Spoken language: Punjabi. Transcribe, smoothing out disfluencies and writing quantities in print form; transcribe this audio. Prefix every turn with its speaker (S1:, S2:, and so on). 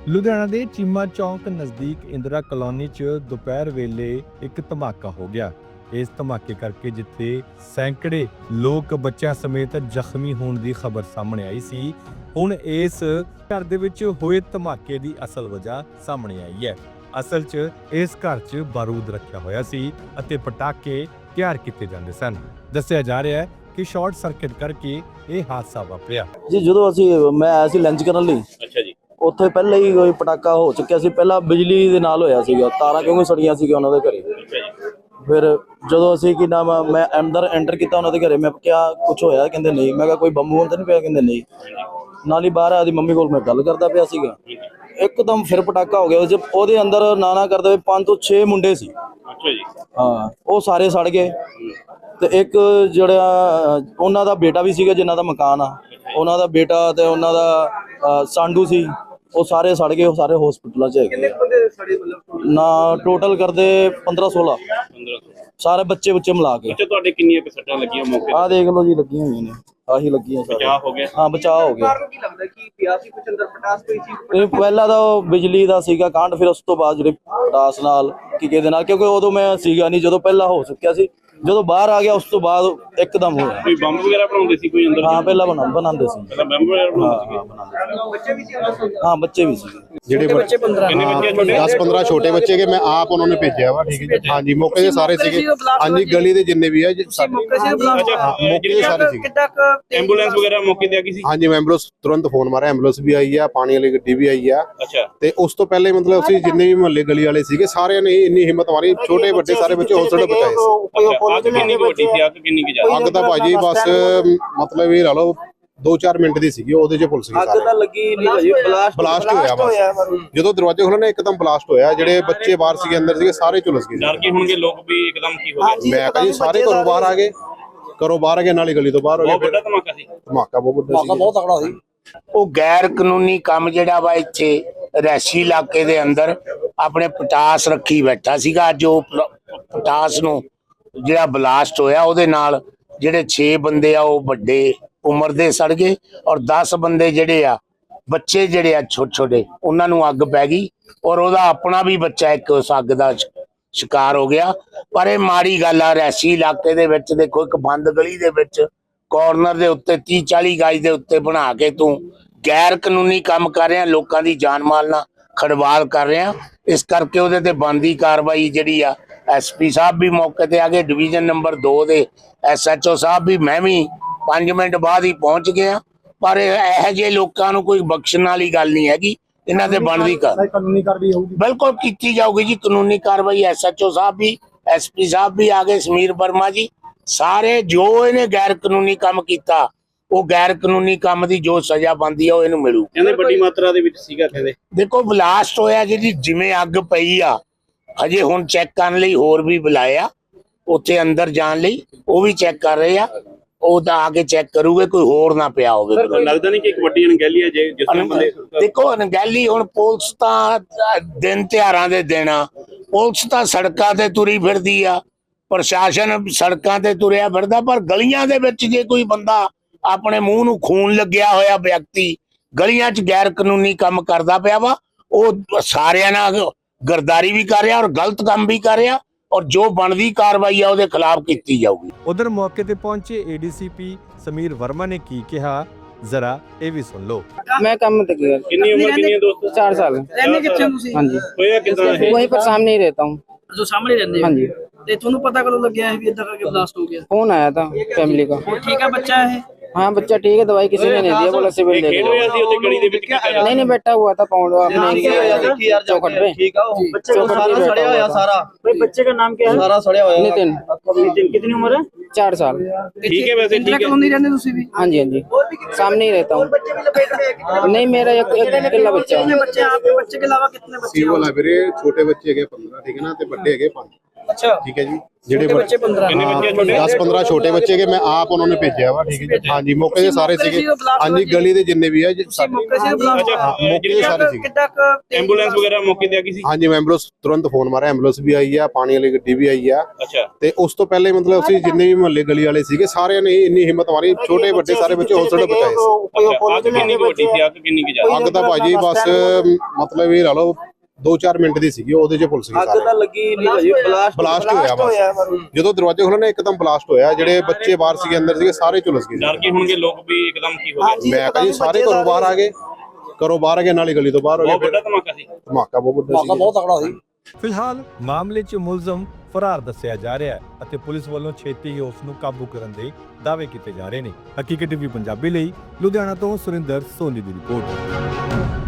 S1: ਲੁਧਿਆਣਾ ਦੇ ਚੀਮਾ ਚੌਂਕ ਨਜ਼ਦੀਕ ਇੰਦਰਾ ਕਲੋਨੀ 'ਚ ਦੁਪਹਿਰ ਵੇਲੇ ਇੱਕ ਧਮਾਕਾ ਹੋ ਗਿਆ। ਇਸ ਧਮਾਕੇ ਕਰਕੇ ਜਿੱਥੇ ਸੈਂਕੜੇ ਲੋਕ ਬੱਚਿਆਂ ਸਮੇਤ ਜ਼ਖਮੀ ਹੋਣ ਦੀ ਖਬਰ ਸਾਹਮਣੇ ਆਈ ਸੀ, ਹੁਣ ਇਸ ਘਰ ਦੇ ਵਿੱਚ ਹੋਏ ਧਮਾਕੇ ਦੀ ਅਸਲ ਵਜ੍ਹਾ ਸਾਹਮਣੇ ਆਈ ਹੈ। ਅਸਲ 'ਚ ਇਸ ਘਰ 'ਚ ਬਾਰੂਦ ਰੱਖਿਆ ਹੋਇਆ ਸੀ ਅਤੇ ਪਟਾਕੇ ਤਿਆਰ ਕੀਤੇ ਜਾਂਦੇ ਸਨ। ਦੱਸਿਆ ਜਾ ਰਿਹਾ ਹੈ ਕਿ ਸ਼ਾਰਟ ਸਰਕਟ ਕਰਕੇ ਇਹ ਹਾਦਸਾ ਵਾਪਰਿਆ
S2: ਜੀ। ਜਦੋਂ ਮੈਂ ਆਇਆ ਸੀ ਲੰਚ ਕਰਨ ਲਈ,
S3: ਅੱਛਾ ਜੀ,
S2: ਉੱਥੇ ਪਹਿਲਾਂ ਹੀ ਕੋਈ ਪਟਾਕਾ ਹੋ ਚੁੱਕਿਆ ਸੀ। ਪਹਿਲਾਂ ਬਿਜਲੀ ਦੇ ਨਾਲ ਹੋਇਆ ਸੀਗਾ, ਤਾਰਾਂ ਕਿਉਂਕਿ ਸੜੀਆਂ ਸੀਗੀਆਂ ਉਹਨਾਂ ਦੇ ਘਰੇ। ਫਿਰ ਜਦੋਂ ਅਸੀਂ ਮੈਂ ਅੰਦਰ ਐਂਟਰ ਕੀਤਾ ਉਹਨਾਂ ਦੇ ਘਰੇ, ਮੈਂ ਕਿਹਾ ਕੁਝ ਹੋਇਆ? ਕਹਿੰਦੇ ਨਹੀਂ। ਮੈਂ ਕਿਹਾ ਕੋਈ ਬੰਬ ਤਾਂ ਨਹੀਂ ਪਿਆ? ਕਹਿੰਦੇ ਨਹੀਂ। ਨਾਲ ਹੀ ਬਾਹਰ ਆਦੀ ਮੰਮੀ ਕੋਲ ਮੈਂ ਗੱਲ ਕਰਦਾ ਪਿਆ ਸੀਗਾ, ਇੱਕਦਮ ਫਿਰ ਪਟਾਕਾ ਹੋ ਗਿਆ। ਉਹਦੇ ਅੰਦਰ ਨਾ ਕਰਦੇ ਹੋਏ 5 ਤੋਂ 6 ਮੁੰਡੇ ਸੀ।
S3: ਅੱਛਾ ਜੀ,
S2: ਹਾਂ, ਉਹ ਸਾਰੇ ਸੜ ਗਏ। ਤੇ ਇੱਕ ਜਿਹੜਾ ਉਹਨਾਂ ਦਾ ਬੇਟਾ ਵੀ ਸੀਗਾ, ਜਿਨ੍ਹਾਂ ਦਾ ਮਕਾਨ ਆ, ਉਹਨਾਂ ਦਾ ਬੇਟਾ ਤੇ ਉਹਨਾਂ ਦਾ ਸਾਂਢੂ ਸੀ, ਉਹ ਸਾਰੇ ਸੜ ਗਏ। ਉਹ ਸਾਰੇ ਹਸਪੀਟਲਾਂ 'ਚ ਹੈਗੇ। ਕਿੰਨੇ ਬੰਦੇ ਸੜੇ ਮਤਲਬ ਨਾ ਟੋਟਲ ਕਰਦੇ 15-16 ਸਾਰੇ ਬੱਚੇ ਮਿਲਾ ਕੇ।
S3: ਅੱਛਾ, ਤੁਹਾਡੇ ਕਿੰਨੀਆਂ ਕੁ ਸੱਟਾਂ ਲੱਗੀਆਂ ਮੌਕੇ ਤੇ?
S2: ਆਹ ਦੇਖ ਲਓ ਜੀ, ਲੱਗੀਆਂ ਹੋਈਆਂ ਨੇ, ਆਹੀ ਲੱਗੀਆਂ ਸਾਰੇ।
S3: ਬਚਾਅ ਹੋ ਗਿਆ?
S2: ਹਾਂ, ਬਚਾਅ ਹੋ ਗਿਆ।
S4: ਕੀ ਲੱਗਦਾ ਕਿ ਪਿਆ ਸੀ ਕੁਝ ਅੰਦਰ ਪਟਾਸ ਪਈ ਸੀ?
S2: ਪਹਿਲਾਂ ਤਾਂ ਉਹ ਬਿਜਲੀ ਦਾ ਸੀਗਾ ਕਾਂਡ, ਫਿਰ ਉਸ ਤੋਂ ਬਾਅਦ ਜਿਹੜੇ ਪਟਾਸ ਨਾਲ ਕਿਹਦੇ ਨਾਲ, ਕਿਉਂਕਿ ਉਦੋਂ ਮੈਂ ਸੀਗਾ ਨਹੀਂ ਜਦੋਂ ਪਹਿਲਾਂ ਹੋ ਚੁੱਕਿਆ ਸੀ। ਜਦੋਂ ਬਾਹਰ ਆ ਗਿਆ ਉਸ ਤੋਂ ਬਾਅਦ ਇੱਕਦਮ ਹੋਇਆ।
S3: ਕੋਈ ਬੰਬ ਵਗੈਰਾ ਬਣਾਉਂਦੇ ਸੀ ਕੋਈ ਅੰਦਰ?
S2: ਹਾਂ, ਪਹਿਲਾਂ ਬਣਾਉਂਦੇ ਸੀ।
S3: ਪਹਿਲਾਂ ਬੰਬ ਵਗੈਰਾ ਬਣਾਉਂਦੇ
S4: ਬੱਚੇ ਵੀ ਸੀ ਅੰਦਰ?
S2: ਹਾਂ, ਬੱਚੇ ਵੀ ਸੀ।
S5: ਜਿਹੜੇ
S4: ਬੱਚੇ 15
S3: ਕਿੰਨੇ ਬੱਚੇ ਤੁਹਾਡੇ?
S5: 10-15 ਛੋਟੇ ਬੱਚੇ ਕੇ ਮੈਂ ਆਪ ਉਹਨਾਂ ਨੇ ਭੇਜਿਆ ਵਾ। ਠੀਕ ਹੈ ਜੀ, ਹਾਂਜੀ, ਮੌਕੇ ਤੇ ਸਾਰੇ ਸੀਗੇ। ਹਾਂਜੀ, ਗਲੀ ਦੇ ਜਿੰਨੇ ਵੀ ਆ
S4: ਮੌਕੇ ਸੇ ਬਲਾਸਟ
S3: ਅੱਛਾ,
S5: ਮੌਕੇ ਤੇ ਸਾਰੇ ਸੀਗੇ।
S4: ਕਿੱਦਾਂ
S3: ਐਂਬੂਲੈਂਸ ਵਗੈਰਾ ਮੌਕੇ ਤੇ ਆ ਗਈ ਸੀ?
S5: ਹਾਂਜੀ, ਐਂਬੂਲੈਂਸ ਤੁਰੰਤ ਫੋਨ ਮਾਰਿਆ, ਐਂਬੂਲੈਂਸ ਵੀ ਆਈ ਆ, ਪਾਣੀ ਵਾਲੀ ਗੱਡੀ ਵੀ ਆਈ ਆ।
S3: ਅੱਛਾ,
S5: ਤੇ ਉਸ ਤੋਂ ਪਹਿਲੇ ਮਤਲਬ ਅਸੀਂ ਜਿੰਨੇ ਵੀ ਮੁਹੱਲੇ ਗਲੀ ਵਾਲੇ ਸੀਗੇ, ਸਾਰਿਆਂ ਨੇ ਇੰਨੀ ਹਿੰਮਤ ਮਾਰੀ, ਛੋਟੇ ਵੱਡੇ ਸਾਰੇ ਬੱਚੇ ਹੌਸਲੇ ਬਚਾਏ ਸੀ।
S3: ਅੱਛਾ, ਅੱਗ ਕਿੰਨੀ ਕੁ ਵੱਡੀ ਸੀ? ਅੱਗ ਕਿੰਨੀ ਕੁ ਜ਼ਿਆਦਾ?
S5: ਅੱਗ ਤਾਂ ਭਾਜੀ ਬਸ ਮਤਲਬ ਇਹ ਲਾ ਲਓ 2-4 ਮਿੰਟ ਦੀ ਸੀਗੀ, ਉਹਦੇ 'ਚ ਪੁਲਿਸ ਗਈ
S2: ਅੱਗ ਤਾਂ
S5: ਸਾਰੇ।
S2: ਲੱਗੀ ਨਹੀਂ ਭਾਜੀ,
S5: ਬਲਾਸਟ ਹੋਇਆ ਬਸ। ਜਦੋਂ ਦਰਵਾਜ਼ੇ ਖੋਲ੍ਹੇ ਇੱਕਦਮ ਬਲਾਸਟ ਹੋਇਆ। ਜਿਹੜੇ ਬੱਚੇ ਬਾਹਰ ਸੀਗੇ, ਅੰਦਰ ਸੀਗੇ, ਸਾਰੇ ਝੁਲਸ ਗਏ।
S3: ਡਰ ਗਏ ਹੋਣਗੇ ਲੋਕ ਵੀ ਇੱਕਦਮ ਕੀ ਹੋ ਗਿਆ?
S5: ਮੈਂ ਕਹਾਂ ਜੀ ਸਾਰੇ ਘਰੋਂ ਬਾਹਰ ਆ ਗਏ, ਨਾਲੀ ਗਲੀ ਤੋਂ ਬਾਹਰ ਹੋ
S3: ਬਹੁਤ
S5: ਗਏ।
S3: ਵੱਡਾ ਧਮਾਕਾ ਸੀ।
S5: ਧਮਾਕਾ ਬਹੁਤ ਵੱਡਾ ਸੀ।
S2: ਬਹੁਤ ਤਕੜਾ ਸੀ।
S6: ਉਹ ਗੈਰ ਕਾਨੂੰਨੀ ਕੰਮ ਜਿਹੜਾ ਵਾ ਇੱਥੇ ਰਿਹਾਇਸ਼ੀ ਇਲਾਕੇ ਦੇ ਅੰਦਰ ਆਪਣੇ ਪਟਾਸ ਰੱਖੀ ਬੈਠਾ ਸੀਗਾ। ਅੱਜ ਉਹ ਪਟਾਸ ਨੂੰ ਜਿਹੜਾ ਬਲਾਸਟ ਹੋਇਆ, ਉਹਦੇ ਨਾਲ ਜਿਹੜੇ 6 ਬੰਦੇ ਆ ਉਹ ਵੱਡੇ ਉਮਰ ਦੇ ਸੜ ਗਏ, ਔਰ 10 ਬੰਦੇ ਜਿਹੜੇ ਆ ਬੱਚੇ ਜਿਹੜੇ ਆ ਛੋਟੇ ਉਹਨਾਂ ਨੂੰ ਅੱਗ ਪੈ ਗਈ, ਔਰ ਉਹਦਾ ਆਪਣਾ ਵੀ ਬੱਚਾ ਇੱਕ ਉਸ ਅੱਗ ਦਾ ਸ਼ਿਕਾਰ ਹੋ ਗਿਆ। ਪਰ ਇਹ ਮਾੜੀ ਗੱਲ ਆ, ਰਿਹਾਇਸ਼ੀ ਇਲਾਕੇ ਦੇ ਵਿੱਚ ਦੇਖੋ, ਇੱਕ ਬੰਦ ਗਲੀ ਦੇ ਵਿੱਚ ਕਾਰਨਰ ਦੇ ਉੱਤੇ 30-40 ਗਜ ਦੇ ਉੱਤੇ ਬਣਾ ਕੇ ਤੂੰ ਗੈਰ ਕਾਨੂੰਨੀ ਕੰਮ ਕਰ ਰਿਹਾ, ਲੋਕਾਂ ਦੀ ਜਾਨ ਮਾਲ ਨਾਲ ਖੜਵਾਲ ਕਰ ਰਿਹਾ। ਇਸ ਕਰਕੇ ਉਹਦੇ ਤੇ ਬਣਦੀ ਕਾਰਵਾਈ ਜਿਹੜੀ ਆ, SP ਸਾਹਿਬ ਵੀ ਮੌਕੇ ਤੇ ਆ ਗਏ, ਡਿਵੀਜ਼ਨ ਨੰਬਰ 2 ਦੇ SHO ਸਾਹਿਬ ਵੀ, ਮੈਂ ਵੀ 5 ਮਿੰਟ ਬਾਅਦ ਹੀ ਪਹੁੰਚ ਗਿਆ। ਪਰ ਇਹੋ ਜਿਹੇ ਲੋਕਾਂ ਨੂੰ ਕੋਈ ਬਖਸ਼ਣ ਵਾਲੀ ਗੱਲ ਨਹੀਂ ਹੈਗੀ, ਇਹਨਾਂ ਤੇ ਬਣਦੀ ਕਾਨੂੰਨੀ ਕਾਰਵਾਈ ਹੋਊਗੀ, ਬਿਲਕੁਲ ਕੀਤੀ ਜਾਊਗੀ ਜੀ ਕਾਨੂੰਨੀ ਕਾਰਵਾਈ। SHO ਸਾਹਿਬ ਵੀ, SP ਸਾਹਿਬ ਵੀ ਆ ਗਏ, ਸਮੀਰ ਵਰਮਾ ਜੀ, ਸਾਰੇ ਜੋ ਇਹਨੇ ਗੈਰ ਕਾਨੂੰਨੀ ਕੰਮ ਕੀਤਾ, ਉਹ ਗੈਰ ਕਾਨੂੰਨੀ ਕੰਮ ਦੀ ਜੋ ਸਜ਼ਾ ਬਣਦੀ ਆ ਉਹ ਇਹਨੂੰ ਮਿਲੂ।
S3: ਕਹਿੰਦੇ ਵੱਡੀ ਮਾਤਰਾ ਦੇ ਵਿੱਚ ਸੀਗਾ। ਕਹਿੰਦੇ
S6: ਦੇਖੋ ਬਲਾਸਟ ਹੋਇਆ, ਜਿਹੜੀ ਜਿਵੇਂ ਅੱਗ ਪਈ ਆ, ਹਜੇ ਹੁਣ ਚੈੱਕ ਕਰਨ ਲਈ ਹੋਰ ਵੀ ਬੁਲਾਇਆ ਉੱਥੇ ਅੰਦਰ ਜਾਣ ਲਈ, ਉਹ ਵੀ ਚੈੱਕ ਕਰ ਰਹੇ ਆ। ਉਹ ਤਾਂ ਆ ਕੇ ਚੈੱਕ ਕਰੂਗੇ ਕੋਈ ਹੋਰ ਨਾ ਪਿਆ ਹੋਵੇ।
S3: ਲੱਗਦਾ ਨਹੀਂ ਕਿ ਇੱਕ ਵੱਡੀ ਅਣਗਹਿਲੀ ਹੈ ਜੇ ਜਿਸ ਤਰ੍ਹਾਂ ਬੰਦੇ?
S6: ਦੇਖੋ ਅਣਗਹਿਲੀ, ਹੁਣ ਪੁਲਿਸ ਤਾਂ ਦਿਨ ਤਿਉਹਾਰਾਂ ਦੇ ਦਿਨ ਆ, ਪੁਲਿਸ ਤਾਂ ਸੜਕਾਂ ਤੇ ਤੁਰੀ ਫਿਰਦੀ ਆ, ਪ੍ਰਸ਼ਾਸਨ ਸੜਕਾਂ ਤੇ ਤੁਰਿਆ ਫਿਰਦਾ, ਪਰ ਗਲੀਆਂ ਦੇ ਵਿੱਚ ਜੇ ਕੋਈ ਬੰਦਾ ਆਪਣੇ ਮੂੰਹ ਨੂੰ ਖੂਨ ਲੱਗਿਆ ਹੋਇਆ ਵਿਅਕਤੀ ਗਲੀਆਂ 'ਚ ਗੈਰ ਕਾਨੂੰਨੀ ਕੰਮ ਕਰਦਾ ਪਿਆ ਵਾ, ਉਹ ਸਾਰਿਆਂ ਨਾਲ ਗਰਦਾਰੀ ਵੀ ਕਰ ਰਿਹਾ ਔਰ ਗਲਤ ਕੰਮ ਵੀ ਕਰ ਰਿਹਾ, ਔਰ ਜੋ ਬਣਦੀ ਕਾਰਵਾਈ ਆ ਉਹਦੇ ਖਿਲਾਫ ਕੀਤੀ ਜਾਊਗੀ।
S1: ਉਧਰ ਮੌਕੇ ਤੇ ਪਹੁੰਚੇ ADCP ਸਮੀਰ ਵਰਮਾ ਨੇ ਕੀ ਕਿਹਾ, ਜ਼ਰਾ ਇਹ ਵੀ ਸੁਣ ਲਓ।
S4: मैं काम में गया।
S3: ਕਿੰਨੀ ਉਮਰ ਕਿੰਨੀ ਹੈ ਦੋਸਤ?
S4: 4 साल। रहने कितने हो तुसी?
S6: हाँ जी,
S3: ਹੋਇਆ ਕਿਦਾਂ ਇਹ?
S4: वहीं पर सामने ही रहता हूँ। जो सामने रहते
S6: हाँ जी।
S4: ते ਤੁਹਾਨੂੰ ਪਤਾ ਕਦੋਂ ਲੱਗਿਆ ਹੈ ਵੀ ਇਦਾਂ ਕਰਕੇ ਬਲਾਸਟ ਹੋ ਗਿਆ?
S6: फोन आया था फैमिली का।
S4: ਉਹ ਠੀਕ ਹੈ ਬੱਚਾ ਹੈ?
S6: हाँ, बच्चा ठीक है, दवाई किसी ने नहीं दिया, बोला सिविल ले
S3: ਖੇਡ
S6: लो।
S3: ਰਿਹਾ ਸੀ ਉੱਥੇ ਗਲੀ ਦੇ ਵਿੱਚ? ਕੀ ਕਰ ਰਿਹਾ?
S6: नहीं बैठा हुआ था पाउंड अपने चौखट पे।
S2: ਠੀਕ ਆ, ਉਹ ਬੱਚੇ
S6: चौखट पे
S2: ਸਾਰਾ
S6: बैठा
S2: ਸੜਿਆ ਹੋਇਆ,
S6: हुआ था।
S2: ਸਾਰਾ
S4: भाई बच्चे का नाम क्या है?
S2: ਸਾਰਾ ਸੜਿਆ ਹੋਇਆ।
S6: नितिन,
S4: नितिन कितनी उम्र है?
S6: 4 साल।
S3: ਠੀਕ ਹੈ ਵੈਸੇ, ਠੀਕ ਹੈ।
S4: कॉलोनी रहने ਤੁਸੀਂ ਵੀ?
S6: हाँ जी, हाँ जी, सामने ही रहता हूँ।
S4: बच्चे भी लपेट में है?
S6: नहीं, मेरा एक अकेला बच्चा है।
S4: कितने बच्चे हैं आपके? बच्चे के अलावा कितने बच्चे
S5: ਸੀ ਵਾਲਾ ਵੀਰੇ ਛੋਟੇ ਬੱਚੇ ਹੈਗੇ 15, ਠੀਕ ਹੈ ਨਾ, ਤੇ ਵੱਡੇ ਹੈਗੇ 5।
S4: ਅੱਛਾ
S5: ਠੀਕ ਹੈ ਜੀ ਜਿਹੜੇ
S4: ਬੱਚੇ 15
S3: ਕਿੰਨੇ ਬੱਚੇ ਛੋਟੇ
S5: 10-15 ਛੋਟੇ ਬੱਚੇ ਕੇ ਮੈਂ ਆਪ ਉਹਨਾਂ ਨੇ ਭੇਜਿਆ ਵਾ ਠੀਕ ਹੈ ਜੀ ਹਾਂਜੀ ਮੌਕੇ ਤੇ ਸਾਰੇ ਸੀਗੇ ਹਾਂਜੀ ਗਲੀ ਦੇ ਜਿੰਨੇ ਵੀ ਆ ਜੀ
S4: ਤੁਸੀਂ ਮੌਕੇ ਸੀ ਬਲਾਸਟ
S3: ਅੱਛਾ
S5: ਮੌਕੇ ਤੇ ਸਾਰੇ ਸੀਗੇ
S4: ਕਿੱਦਾਂ
S3: ਐਂਬੂਲੈਂਸ ਵਗੈਰਾ ਮੌਕੇ ਤੇ ਆ ਗਈ ਸੀ
S5: ਹਾਂਜੀ ਮੈਂ ਐਂਬੂਲੈਂਸ ਤੁਰੰਤ ਫੋਨ ਮਾਰਿਆ ਐਂਬੂਲੈਂਸ ਵੀ ਆਈ ਆ ਪਾਣੀ ਵਾਲੀ ਗੱਡੀ ਵੀ ਆਈ ਆ
S3: ਅੱਛਾ
S5: ਤੇ ਉਸ ਤੋਂ ਪਹਿਲੇ ਮਤਲਬ ਅਸੀਂ ਜਿੰਨੇ ਵੀ ਮੁਹੱਲੇ ਗਲੀ ਵਾਲੇ ਸੀਗੇ ਸਾਰਿਆਂ ਨੇ ਇੰਨੀ ਹਿੰਮਤ ਮਾਰੀ ਛੋਟੇ ਵੱਡੇ ਸਾਰੇ ਬੱਚੇ ਹਸਪਤਾਲ ਪਹੁੰਚਾਏ ਸੀ
S3: ਅੱਛਾ ਅੱਗ ਕਿੰਨੀ ਕੁ ਵੱਡੀ ਸੀ ਅੱਗ ਕਿੰਨੀ ਕੁ ਜ਼ਿਆਦਾ
S5: ਅੱਗ ਤਾਂ ਭਾਜੀ ਬਸ ਮਤਲਬ ਇਹ ਲਾ ਲਓ 2-4 ਮਿੰਟ ਦੀ ਸੀਗੀ ਉਹਦੇ 'ਚ ਪੁਲਿਸ ਗਈ
S2: ਅੱਗ ਤਾਂ
S5: ਸਾਰੇ
S2: ਲੱਗੀ ਨਹੀਂ ਭਾਜੀ
S5: ਬਲਾਸਟ ਹੋਇਆ ਬਸ ਜਦੋਂ ਦਰਵਾਜ਼ੇ ਖੋਲ੍ਹਣੇ ਇੱਕਦਮ ਬਲਾਸਟ ਹੋਇਆ ਜਿਹੜੇ ਬੱਚੇ ਬਾਹਰ ਸੀਗੇ ਅੰਦਰ ਸੀਗੇ ਸਾਰੇ ਝੁਲਸ ਗਏ
S3: ਡਰ ਗਏ ਹੋਣਗੇ ਲੋਕ ਵੀ ਇੱਕਦਮ ਕੀ ਹੋ ਗਿਆ
S5: ਮੈਂ ਕਹਾਂ ਜੀ ਸਾਰੇ ਘਰੋਂ ਬਾਹਰ ਆ ਗਏ ਘਰੋਂ ਬਾਹਰ ਆ ਗਏ ਨਾਲੇ ਗਲੀ ਤੋਂ ਬਾਹਰ ਹੋ ਗਏ
S3: ਬਹੁਤ
S5: ਫਿਰ
S3: ਵੱਡਾ ਧਮਾਕਾ ਸੀ
S5: ਧਮਾਕਾ ਬਹੁਤ ਵੱਡਾ ਸੀ
S2: ਤਕੜਾ ਸੀ
S1: ਫਿਲਹਾਲ ਮਾਮਲੇ 'ਚ ਮੁਲਜ਼ਮ ਫਰਾਰ ਦੱਸਿਆ ਜਾ ਰਿਹਾ ਹੈ ਅਤੇ ਪੁਲਿਸ ਵੱਲੋਂ ਛੇਤੀ ਹੀ ਉਸ ਨੂੰ ਕਾਬੂ ਕਰਨ ਦੇ ਦਾਅਵੇ ਕੀਤੇ ਜਾ ਰਹੇ ਨੇ। ਹਕੀਕਤ ਟੀਵੀ ਪੰਜਾਬੀ ਲਈ ਲੁਧਿਆਣਾ ਤੋਂ ਸੁਰਿੰਦਰ ਸੋਨੀ ਦੀ ਰਿਪੋਰਟ।